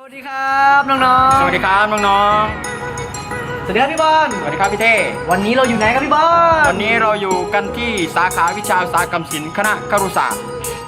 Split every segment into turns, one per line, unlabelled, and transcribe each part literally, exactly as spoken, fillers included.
วัสดีครับน้องๆ
สวัสดีครับน้อง
สวัสดีครับพี่บอล
ๆสวัสดีครับพี่เท่
วันนี้เราอยู่ไหนครับพี่บอล
วันนี้เราอยู่กันที่สาขาวิชาอุตสาหกรรมศิลป์คณะครุศาสตร์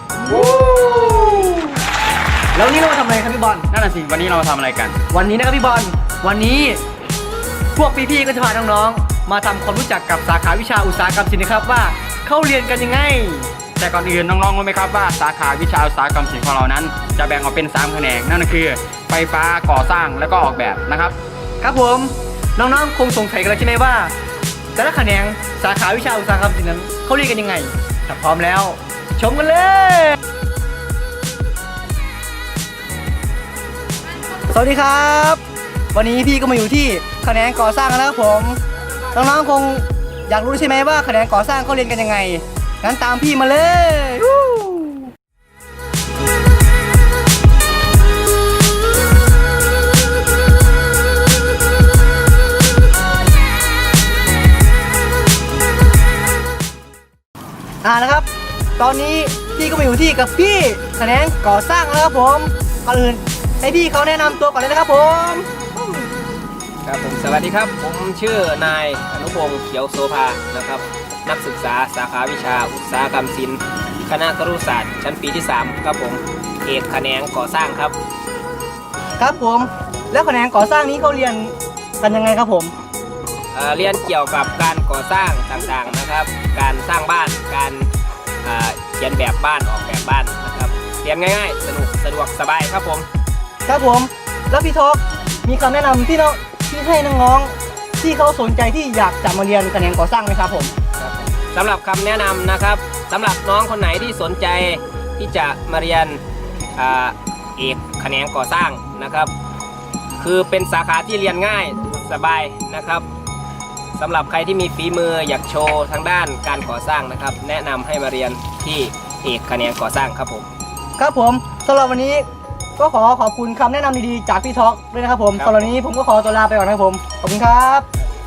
แล้ววันนี้เรามาทำอะไรครับพี่บอล
นั่นน่ะสิวันนี้เรามาทำอะไรกัน
วันนี้นะครับพี่บอลวันนี้พวกพี่ๆก็จะพาน้องๆมาทำความรู้จักกับสาขาวิชาอุตสาหกรรมศิลป์นะครับว่าเข้าเรียนกันยังไง
แต่ก่อนอื่นน้องๆรู้ไหมครับว่าสาขาวิชาอุตสาหกรรมศิลป์ของเรานั้นจะแบ่งออกเป็นสามแขนงนั่นก็คือไฟฟ้าก่อสร้างและก็ออกแบบนะครับ
ครับผมน้องๆคงสงสัยกันแล้วใช่ไหมว่าแต่ละแขนงสาขาวิชาอุตสาหกรรมศิลป์นั้นเขาเรียนกันยังไงถ้าพร้อมแล้วชมกันเลยสวัสดีครับวันนี้พี่ก็มาอยู่ที่แขนงก่อสร้างแล้วนะครับผมน้องๆคงอยากรู้ใช่ไหมว่าแขนงก่อสร้างเขาเรียนกันยังไงงั้นตามพี่มาเลยอ่านะครับตอนนี้พี่ก็มาอยู่ที่กับพี่แขนงก่อสร้างแล้วครับผมก่อนอื่นให้พี่เขาแนะนำตัวก่อนเลยนะครับผม
ครับผมสวัสดีครับผมชื่อนายอนุพงศ์เขียวโสภานะครับนักศึกษาสาขาวิชาอุตสาหกรรมศิลป์คณะครุศาสตร์ชั้นปีที่สามครับผมเอกแขนงก่อสร้างครับ
ครับผมแล้วแขนงก่อสร้างนี้เขาเรียนกันยังไงครับผม
เอ่อเรียนเกี่ยวกับการก่อสร้างต่างๆนะครับการสร้างบ้านการเขียนแบบบ้านออกแบบบ้านนะครับเรียนง่ายๆสนุกสะดวกสบายครับผม
ครับผมแล้วพี่ท็อปมีคำแนะนำที่น้องที่ให้น้องๆที่เขาสนใจที่อยากจะมาเรียนแขนงก่อสร้างไหมครับผม
สำหรับคำแนะนำนะครับสำหรับน้องคนไหนที่สนใจที่จะมาเรียนเอกแขนงก่อสร้างนะครับคือเป็นสาขาที่เรียนง่ายสบายนะครับสำหรับใครที่มีฝีมืออยากโชว์ทางด้านการก่อสร้างนะครับแนะนำให้มาเรียนที่เอกแขนงก่อสร้างครับผม
ครับผมสำหรับวันนี้ก็ขอขอบคุณคำแนะนำดีๆจากพี่ท็อกด้วยนะครับผมสำหรับวันนี้ผมก็ขอตัวลาไปก่อนนะครับผมขอบคุณครับ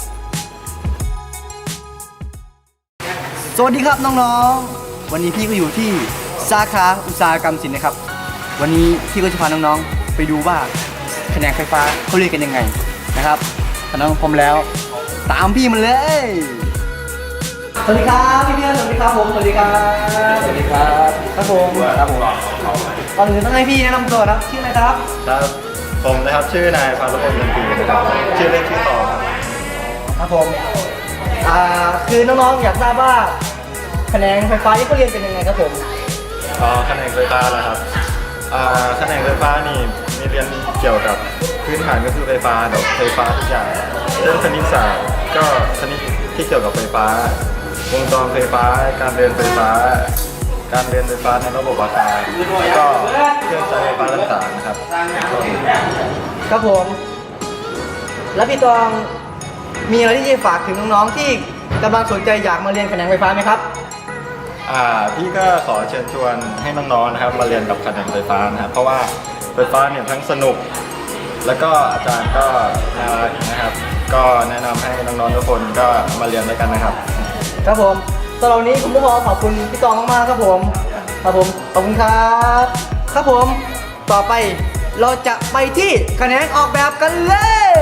สวัสดีครับน้องๆวันนี้พี่ก็อยู่ที่สาขาอุตสาหกรรมศิลป์นะครับวันนี้พี่ก็จะพาน้องๆไปดูว่าแขนงไฟฟ้าเขาเรียนกันยังไงนะครับถ้าน้องพร้อมแล้วตามพี่มันเลยสวัสดีครับพี่เพื่อนสวัสดีครับผมสวัสดีครับ
สวัสดีครับ
ครับผม
ครับผม
ก่อนอื่นต้องให้พี่แนะนำตัวนะชื่ออะไรครับ
ครับผมนะครับชื่อนายพานุพงศ์เงินปีนะครับชื่อเล่นชื่อต่อครับ
ครับผมอ่าคือน้องๆอยากทราบว่าแขนงไฟฟ้าที่เขาเรียนเป็นยังไงครับผม
อ๋อแขนงไฟฟ้าเหรอครับอ่าแขนงไฟฟ้านี่มีเรียนเกี่ยวกับพื้นฐานก็คือไฟฟ้าเดี๋ยวไฟฟ้าทุกอย่างเรื่องคณิตศาสตร์ก็คณิตที่เกี่ยวกับไฟฟ้าวงจรไฟฟ้าการเรียนไฟฟ้าการเรียนไฟฟ้าในระบบอาคารแล้วก็เครื่องใช้ไฟฟ้าต่างๆนะครับ
ครับผมแล้วพี่ตองมีอะไรที่จะฝากถึงน้องๆที่กำลังสนใจอยากมาเรียนแขนงไฟฟ้าไหมครับ
อ่าพี่ก็ขอเชิญชวนให้น้องๆนะครับมาเรียนกับแขนงไฟฟ้านะครับเพราะว่าไฟฟ้าเนี่ยทั้งสนุกแล้วก็อาจารย์ก็น่ารักนะครับก็แนะนำให้น้องๆทุกคนก็มาเรียนด้วยกันนะครับ
ครับผมสำหรับวันนี้ผมก็ขอขอบคุณพี่ตองมากๆครับผมครับผมขอบคุณครับครับผมต่อไปเราจะไปที่แขนงออกแบบกันเลย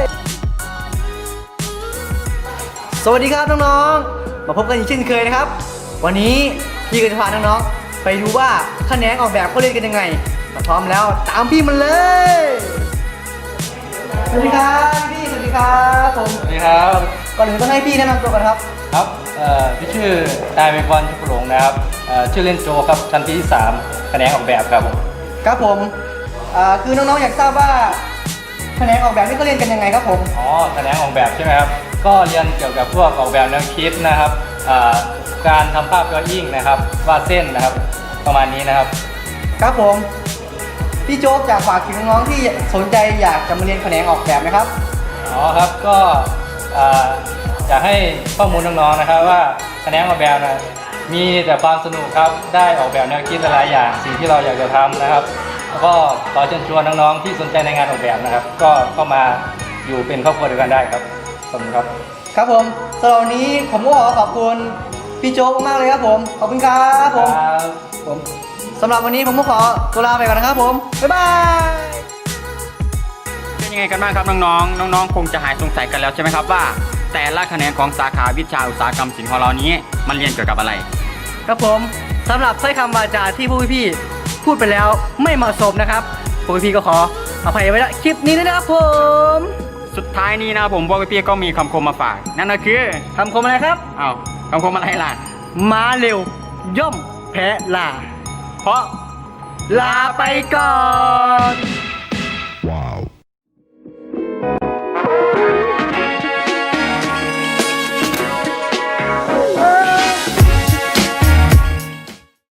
สวัสดีครับน้องๆมาพบกันอีกเช่นเคยนะครับวันนี้พี่ก็จะพาน้องๆไปดูว่าแขนงออกแบบเขาเรียนกันยังไงถ้าพร้อมแล้วตามพี่มันเลยสวัสดีครับพี่สวัสดีครับผม
สวัสดีครับ
ก่อนอื่นต้องให้พี่แนะนำตัวก่อนครับ
ครับพี่ชื่อนายเมฆวันชุกหลงนะครับชื่อเล่นโจครับชั้นปีที่สามแขนงออกแบบครับผม
ครับผมคือน้องๆอยากทราบว่าแขนงออกแบบนี่เขาเรียนกันยังไงครับผม
อ๋อแขนงออกแบบใช่ไหมครับก็เรียนเกี่ยวกับพวกออกแบบแนวคิดนะครับการทำภาพดรออิ่งนะครับวาดเส้นนะครับประมาณนี้นะครับ
ครับผมพี่โจ๊กอยากฝากถึงน้องๆที่สนใจอยากจะมาเรียนแขนงออกแบบไหมครับ
อ๋อครับก็อยากให้ข้อมูลน้องๆนะครับว่าแขนงออกแบบนะมีแต่ความสนุกครับได้ออกแบบแนวคิดหลายอย่างสิ่งที่เราอยากจะทำนะครับแล้วก็ขอเชิญชวนน้องๆที่สนใจในงานออกแบบนะครับก็เข้ามาอยู่เป็นครอบครัวเดียวกันได้ครับขอบคุณครับ
ครับผมสำหรับวันนี้ผมก็ขอขอบคุณพี่โจ๊กมากเลยครับผมขอบคุณครับผมผมสำหรับวันนี้ผมก็ขอตัวลาไปก่อนนะครับผมบ๊ายบาย
ไงกันบ้างครับน้องๆน้องๆคงจะหายสงสัยกันแล้วใช่ไหมครับว่า แต่ละแขนงของสาขาวิชาอุตสาหกรรมศิลป์ของเรานี้มันเรียนเกี่ยวกับอะไร
ครับผมสำหรับถ้อยคำวาจาที่ผู้พี่ๆพูดไปแล้วไม่เหมาะสมนะครับผู้พี่ๆก็ขออภัยไว้ณคลิปนี้ด้วยนะครับผม
สุดท้ายนี้นะครับผมพวกพี่ๆก็มีคำคมมาฝากนั่นก็คือ
คำคมอะไรครับ
อ้าวคำคมอะไรล่ะ
ม้าเร็วย่อมแพ้ลา
เพราะ
ลาไปก่อน